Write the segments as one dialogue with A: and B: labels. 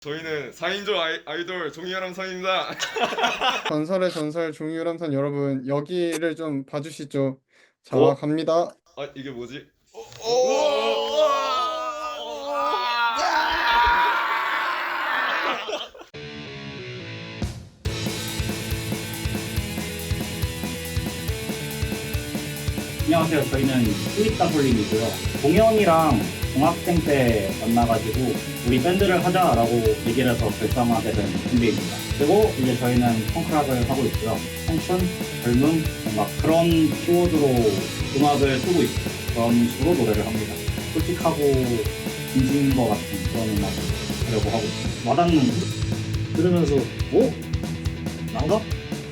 A: 저희는 4인조 아이돌 종이혈암선입니다.
B: 전설의 전설 종이유람선 여러분 여기를 좀 봐주시죠. 자
A: 어?
B: 갑니다.
A: 아 이게 뭐지?
C: 안녕하세요. 저희는 스윗다블링이고요. 동현이랑 중학생 때 만나가지고 우리 밴드를 하자라고 얘기를 해서 결성하게 된 밴드입니다. 그리고 이제 저희는 펑크락을 하고 있고요. 청춘, 젊음, 막 그런 키워드로 음악을 쓰고 있어요. 그런 식으로 노래를 합니다. 솔직하고 진심인 것 같은 그런 음악을 하려고 하고 있습니다. 와닿는 들으면서 오? 난가?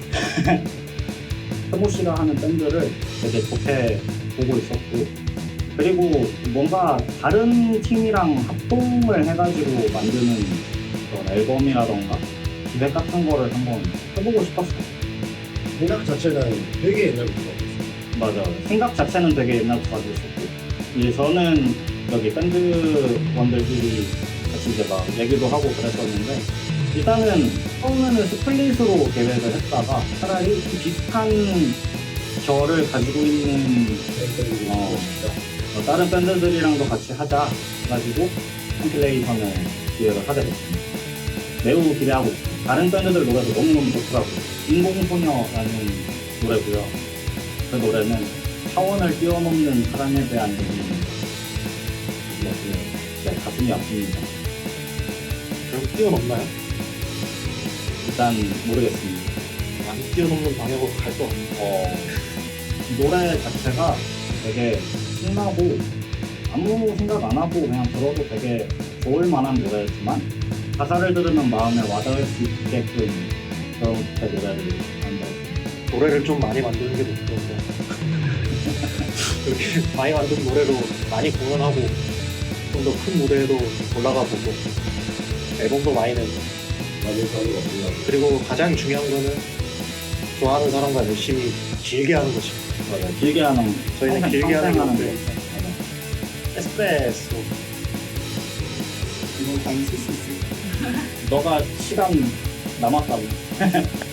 C: 태모 씨가 하는 밴드를 되게 좋게 보고 있었고, 그리고 뭔가 다른 팀이랑 합동을 해가지고 만드는 그런 앨범이라던가 기획 같은 거를 한번 해보고 싶었어요.
D: 생각 자체는 되게 옛날부터 있어요.
C: 맞아. 생각 자체는 되게 옛날부터 가지고 있었고, 이제 저는 여기 밴드원들끼리 같이 이제 막 얘기도 하고 그랬었는데, 일단은 처음에는 스플릿으로 계획을 했다가 차라리 좀 비슷한 결을 가지고 있는 다른 밴드들이랑도 같이 하자 해가지고 컴필레이션을 기획을 하게 됐습니다. 매우 기대하고 있습니다. 다른 밴드들 노래도 너무너무 좋더라고요. 인공소녀라는 노래고요. 그 노래는 차원을 뛰어넘는 사랑에 대한 얘기입니다. 가슴이 아픕니다.
D: 결국 뛰어넘나요?
C: 일단 모르겠습니다.
D: 안 뛰어넘는 방향으로 갈 수 없는.
C: 노래 자체가 되게 신나고 아무 생각 안 하고 그냥 들어도 되게 좋을 만한 노래지만 가사를 들으면 마음에 와닿을 수 있게끔 그렇게 노래를 만들었습니다.
D: 노래를 좀 많이 만드는 게 목표인데 그렇게 많이 만든 노래로 많이 공연하고 좀 더 큰 무대에도 올라가 보고 앨범도 많이 내고 그리고 가장 중요한 거는 좋아하는 사람과 열심히 길게 하는 것입니다.
C: 맞아요. 길게 하는
D: 저희는
C: 평생,
D: 길게 하는
C: 평생
D: 건데.
C: 거.
D: 에스프레소
B: 이거 많이 쓸 수 있어요.
C: 너가 시간 남았다고.